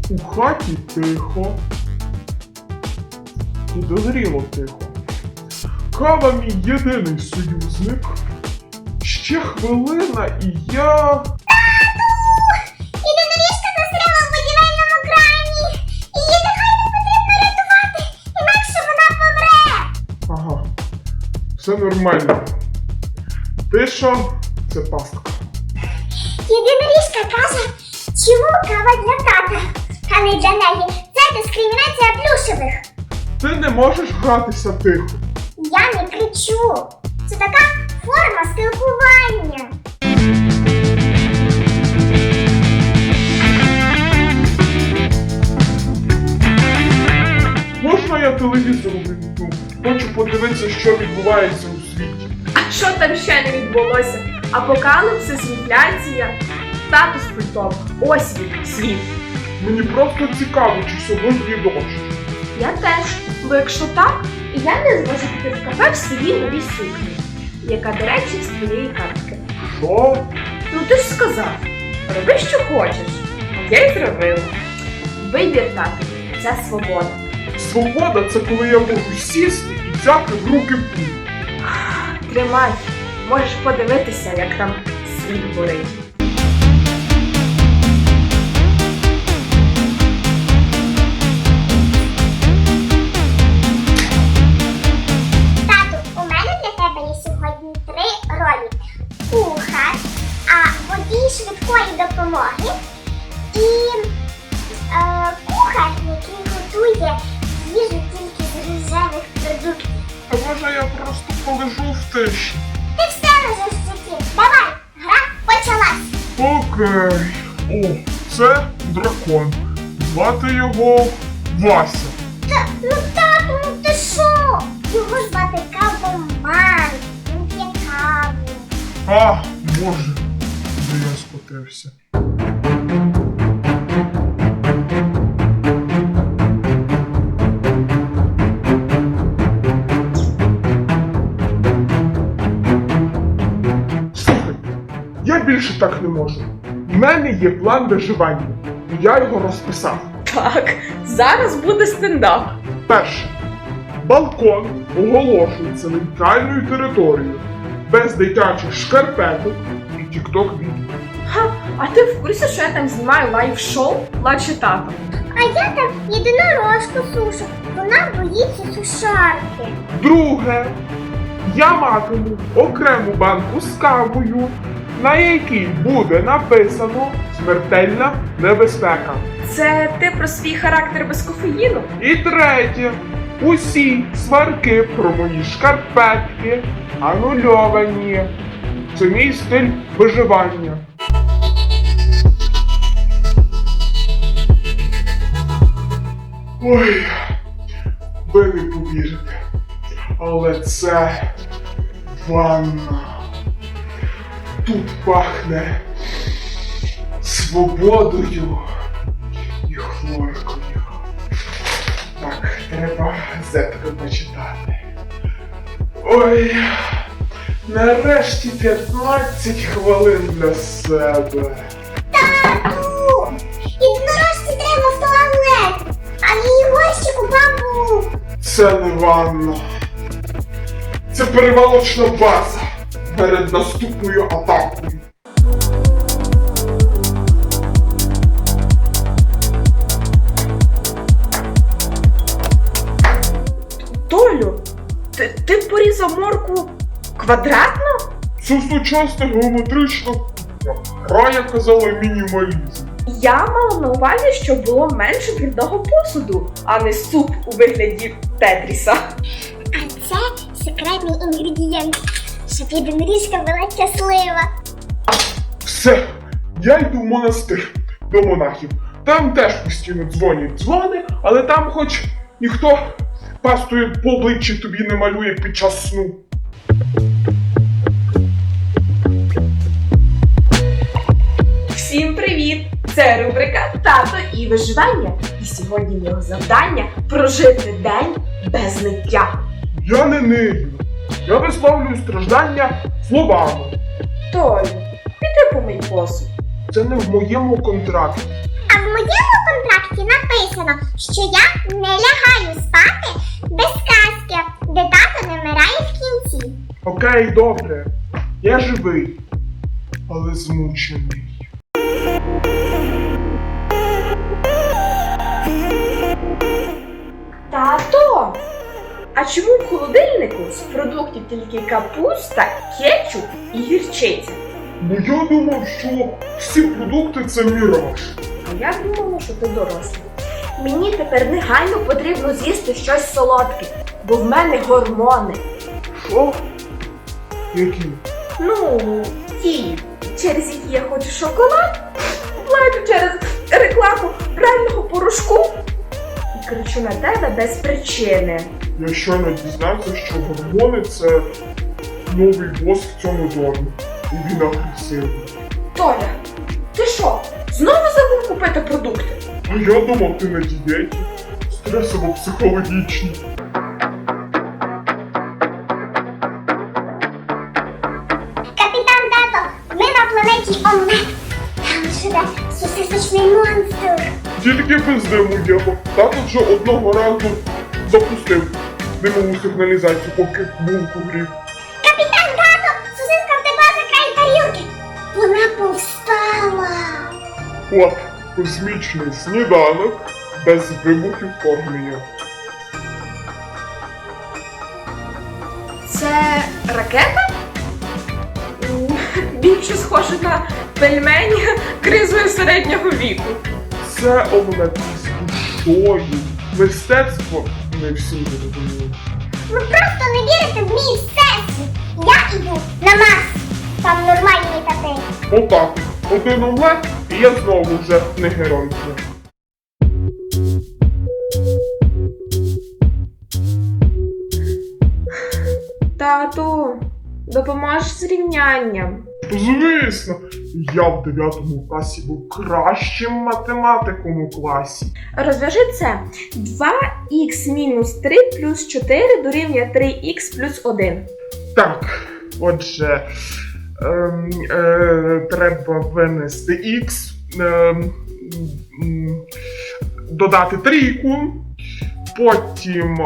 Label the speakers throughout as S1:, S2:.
S1: У хаті тихо. І дозріло тихо. Кава мій єдиний союзник. Ще хвилина і я...
S2: Єдиноріжка застряла в будівельному крані. Її негайно потрібно рятувати, інакше вона помре.
S1: Ага. Все нормально. Тиша – це пастка.
S2: Єдиноріжка каже, чому кава для тата, а не для неї. Це дискримінація плюшевих.
S1: Ти не можеш гратися тихо.
S2: Я не кричу. Це така форма спілкування.
S1: Можна я телевізор увімкну? Хочу подивитися, що відбувається у світі.
S3: А що там ще не відбулося? Апокаліпсис, інфляція, статус пультом. Ось він, світ.
S1: Мені просто цікаво, чи сьогодні дощ.
S3: Я теж. Бо якщо так, я не зможу піти в кафе в своїй новій сукні, яка, до речі, з твоєї картки.
S1: Що?
S3: Ну ти ж сказав, роби, що хочеш. А я й зробила. Вибір, тато, це свобода.
S1: Свобода – це коли я можу сісти і взяти в руки пульт.
S3: Тримай, можеш подивитися, як там світ горить.
S2: Тату, у мене для тебе є сьогодні 3 ролі. Кухар, водій швидкої допомоги і кухар, який готує їжу тільки з рожевих продуктів.
S1: А може я просто полежу в тиші?
S2: Ти все лежиш в житті. Давай, гра почалась.
S1: Окей. О, це дракон. Звати його Вася.
S2: Ну тату, ну ти що? Його звати Кавоман. Він п'є каву.
S1: А, боже, де я скотився. Слухай, я більше так не можу. У мене є план виживання, і я його розписав.
S3: Так, зараз буде стендап.
S1: Перше. Балкон оголошується нейтральною територією, без дитячих шкарпеток і тік-ток-відео.
S3: Ха, а ти в курсі, що я там знімаю лайв-шоу «Плаче тато»?
S2: А я там єдинорожку сушу. Вона боїться сушарки.
S1: Друге. Я матиму окрему банку з кавою, на якій буде написано «Смертельна небезпека».
S3: Це ти про свій характер без кофеїну?
S1: І третє. Усі сварки про мої шкарпетки анульовані. Це мій стиль виживання. Ой, ви не повірите, але це ванна. Тут пахне свободою і хлоркою. Так, треба газетку почитати. Ой, нарешті 15 хвилин для себе.
S2: Тату! Єдинорожці треба в туалет, а її горщик упав був.
S1: Це не ванна. Це перевалочна база перед наступною атакою.
S3: Толю, ти порізав моркву квадратно?
S1: Це сучасна геометрична гра, я казала, мінімалізм.
S3: Я мала на увазі, що було менше брудного посуду, а не суп у вигляді Тетріса.
S2: А це секретний інгредієнт, щоб єдиноріжка була щаслива.
S1: Все, я йду в монастир до монахів. Там теж постійно дзвонять дзвони, але там хоч ніхто пастою по обличчі тобі не малює під час сну.
S3: Всім привіт! Це рубрика «Тато і виживання». І сьогодні його завдання – прожити день без ниття.
S1: Я не нию. Я висловлюю страждання словами.
S3: Толю, піди помий посуд.
S1: Це не в моєму контракті.
S2: А в моєму контракті контракті написано, що я не лягаю спати без казки, де тато не вмирає в кінці.
S1: Окей, добре. Я живий, але змучений.
S3: Тато! А чому в холодильнику з продуктів тільки капуста, кетчуп і гірчиця?
S1: Бо я думав, що всі продукти це міраж.
S3: А я думала, що ти дорослий. Мені тепер негайно потрібно з'їсти щось солодке, бо в мене гормони.
S1: Що? Які?
S3: Ну, ті, через які я хочу шоколад, плачу через рекламу прального порошку і кричу на тебе без причини.
S1: Я щойно дізнався, що гормони це новий бос в цьому домі. І він агресивний.
S3: Толя, ти що, знову забув купити продукти?
S1: А я думав, ти на дієті. Стресово-психологічній.
S2: Капітан Тато, ми на планеті Омлет. Там живе сосисочний монстр.
S1: Тільки без диму, Єво. Тато вже одного разу запустив димову сигналізацію, поки булку грів.
S2: Капітан Тато, сосиска втекла за край тарілки. Вона повстала.
S1: От, космічний сніданок без вибухів вторгнення.
S3: Це ракета? Більше схоже на пельмені кризою середнього віку.
S1: Це омлет з душою. Мистецтво не всі розуміють.
S2: Ви просто не вірите в мій всесвіт. Я іду на Марс. Там нормальні тати.
S1: Отак. Один омлет, і я знову вже не герой.
S3: Тату, допоможеш з рівнянням.
S1: Звісно, я в 9 класі був кращим математиком у класі.
S3: Розв'яжи це. 2х мінус 3 плюс 4 дорівнює 3х плюс 1.
S1: Так, отже, треба винести х, додати трійку, потім.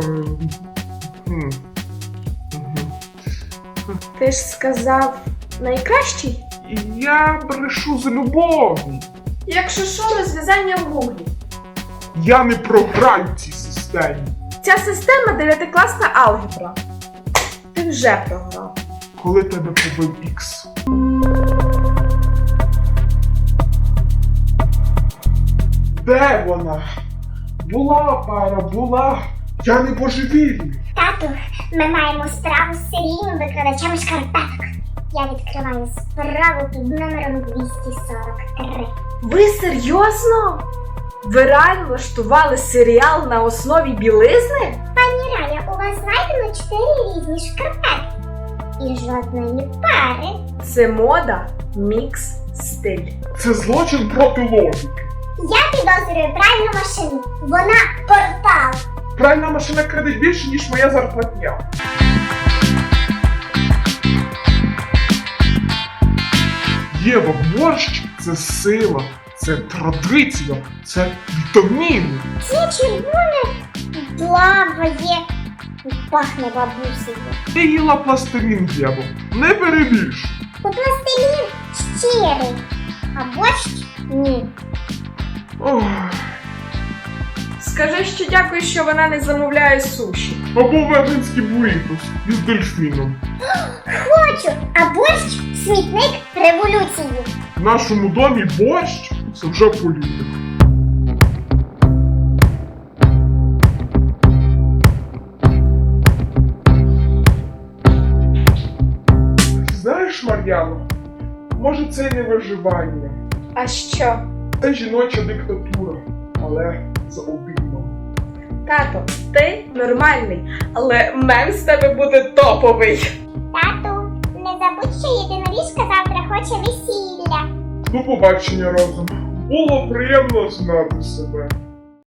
S3: Ти ж сказав найкращий?
S1: Я брешу з любов'ю.
S3: Якщо що, розв'язання в гуглі.
S1: Я не програю в цій системі.
S3: Ця система 9-класна алгебра. Ти вже програв.
S1: Коли тебе побив х. Де вона? Була пара, була. Я не божевільний.
S2: Тату, ми маємо справу з серійним викрадачем шкарпеток. Я відкриваю справу під номером 243.
S3: Ви серйозно? Ви реально влаштували серіал на основі білизни?
S2: Пані Раля, у вас знайдено 4 різні шкарпетки. І жодної пари.
S3: Це мода, мікс, стиль.
S1: Це злочин проти логіки.
S2: Я підозрюю пральну машину. Вона портал.
S1: Пральна машина краде більше, ніж моя зарплатня. Єва, борщ – це сила, це традиція, це вітаміни.
S2: Ці червоне плаває. Пахне бабусею.
S1: Ти їла пластилін, Єво, не перебільш.
S2: У пластилін щирий, а борщ ні.
S1: Ох.
S3: Скажи, що дякую, що вона не замовляє суші.
S1: Або веганський бурітос із дельфіном.
S2: Хочу, а борщ смітник революції.
S1: В нашому домі борщ – це вже політика. Знаєш, Мар'яно, може це й не виживання.
S3: А що?
S1: Це жіноча диктатура, але за обіймом.
S3: Тато, ти нормальний, але мем з тебе буде топовий.
S2: Тату, не забудь, що єдиноріжка завтра хоче весілля.
S1: До побачення разом. Було приємно знати себе.